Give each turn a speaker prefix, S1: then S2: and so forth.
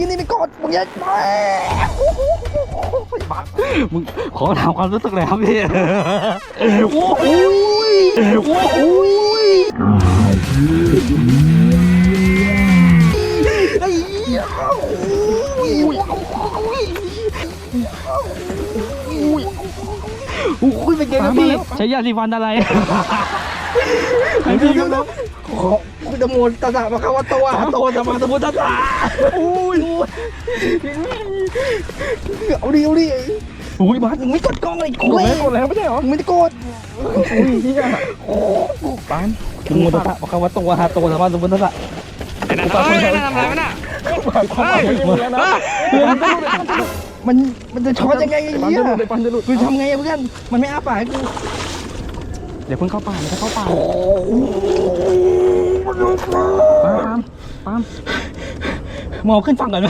S1: นี่ไม่กดมึงอย่าไปบ้า
S2: มึงขอถามความรู้สึกเลยครับพี่โอ้โหโอ้โห
S1: ไอ้เหี้ยโอ้ยเป็นไงครับพี่
S2: ใช้ยาสีฟันอะไร
S1: เดี๋ยวคุณตะโมนตาสะมาเข้าว่าตัวโตจะมาตะโมนตาสะอุ้ยเอาดิอุ้ยบาสมึงไม่กดกล้องเลยกูเลยกดแล้วไม่ใช่หรอมึงไม่ได้กดอุ้ยเฮียบานมึงโมตาสะมาเข้าว่าตัวโตจะมาตะโมนตาสะ
S2: นั่นทำอะไรวะน่ะ
S1: มันจะช็อตยังไงไอ้เหี้ยกูทำไงเพื่อนมันไม่อ้าปากให้กู
S2: เดี๋ยวเพิ่งเข้าป่าเดี๋ยวเข้าป่าปาม
S1: มองขึ้นฝั่งก่อน